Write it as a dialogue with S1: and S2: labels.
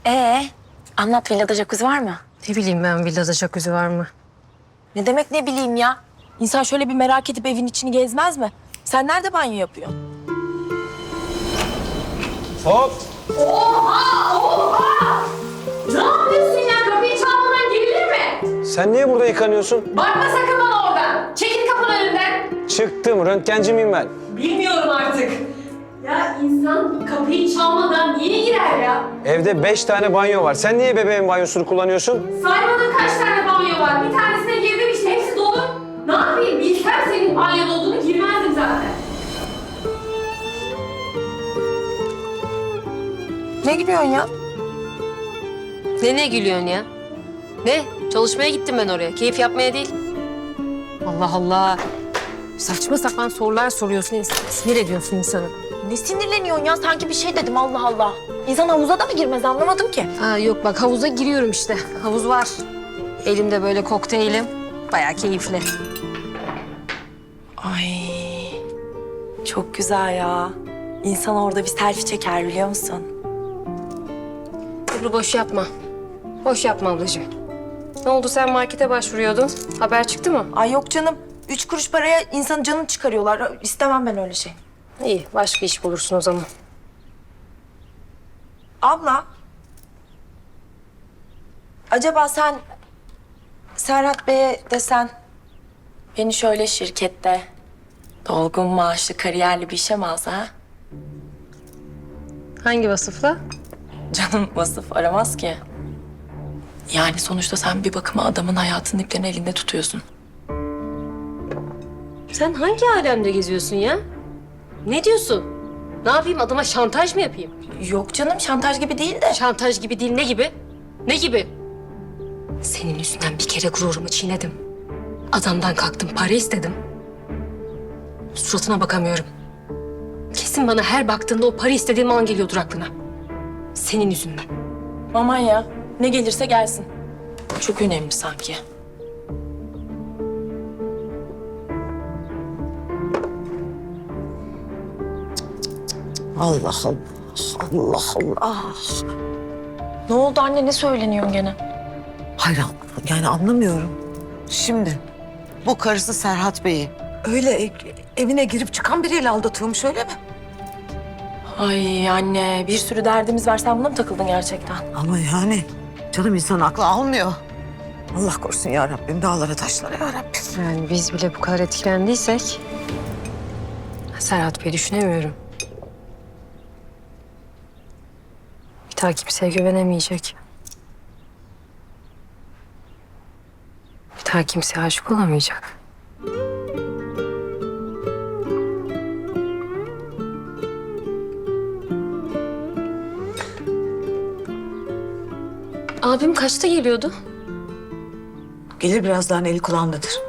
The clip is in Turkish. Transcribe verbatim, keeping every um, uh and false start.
S1: Ee, anlat, villada jacuzzi var mı?
S2: Ne bileyim ben villada jacuzzi var mı?
S1: Ne demek ne bileyim ya? İnsan şöyle bir merak edip evin içini gezmez mi? Sen nerede banyo yapıyorsun?
S3: Hop!
S4: Oha! Oha! Ne yapıyorsun ya? Kapıyı çalmadan girilir mi?
S3: Sen niye burada yıkanıyorsun?
S4: Bakma sakın bana oradan. Çekil kapının önünden.
S3: Çıktım, röntgenci miyim ben?
S4: Bilmiyorum artık. Ya insan kapıyı çalmadan niye girer ya?
S3: Evde beş tane banyo var. Sen niye bebeğin banyosunu kullanıyorsun?
S4: Saymadın kaç tane banyo var. Bir tanesine girdim işte hepsi dolu. Ne yapayım? Bilsem senin banyoda olduğunu girmezdim zaten.
S1: Ne gülüyorsun ya?
S2: Ne ne gülüyorsun ya? Ne? Çalışmaya gittim ben oraya. Keyif yapmaya değil. Allah Allah. Saçma sapan sorular soruyorsun. Sinir ediyorsun insanı.
S1: Ne sinirleniyorsun ya? Sanki bir şey dedim, Allah Allah. İnsan havuza da mı girmez, anlamadım ki.
S2: Ha yok bak havuza giriyorum işte. Havuz var. Elimde böyle kokteylim. Bayağı keyifli.
S1: Ay, çok güzel ya. İnsan orada bir selfie çeker, biliyor musun?
S2: Ebru boş yapma. Boş yapma ablacığım. Ne oldu sen markete başvuruyordun? Haber çıktı mı?
S1: Ay yok canım. Üç kuruş paraya insanın canını çıkarıyorlar. İstemem ben öyle şey.
S2: İyi başka iş bulursun o zaman.
S1: Abla. Acaba sen Serhat Bey'e desen beni şöyle şirkette dolgun maaşlı kariyerli bir işe mi alsa ha?
S2: Hangi vasıfla?
S1: Canım vasıf aramaz ki. Yani sonuçta sen bir bakıma adamın hayatının iplerini elinde tutuyorsun.
S2: Sen hangi alemde geziyorsun ya? Ne diyorsun? Ne yapayım adama şantaj mı yapayım?
S1: Yok canım, şantaj gibi değil de.
S2: Şantaj gibi değil, ne gibi? Ne gibi? Senin yüzünden bir kere gururumu çiğnedim. Adamdan kalktım, para istedim. Suratına bakamıyorum. Kesin bana her baktığında o para istediğim an geliyordur aklına. Senin yüzünden.
S1: Aman ya, ne gelirse gelsin. Çok önemli sanki.
S5: Allah Allah, Allah Allah.
S1: Ne oldu anne, ne söyleniyorsun gene?
S5: Hayır, yani anlamıyorum. Şimdi bu karısı Serhat Bey'i öyle e- evine girip çıkan biriyle aldatıyormuş, öyle mi?
S1: Ay anne, bir sürü derdimiz var. Sen buna mı takıldın gerçekten?
S5: Ama yani canım, insan aklı almıyor. Allah korusun ya Rabbim, dağlara taşlara ya Rabbim.
S2: Yani biz bile bu kadar etkilendiysek... Serhat Bey düşünemiyorum. Bir daha kimseye güvenemeyecek. Bir daha kimseye aşık olamayacak. Abim kaçta geliyordu?
S5: Gelir birazdan, eli kulağındadır.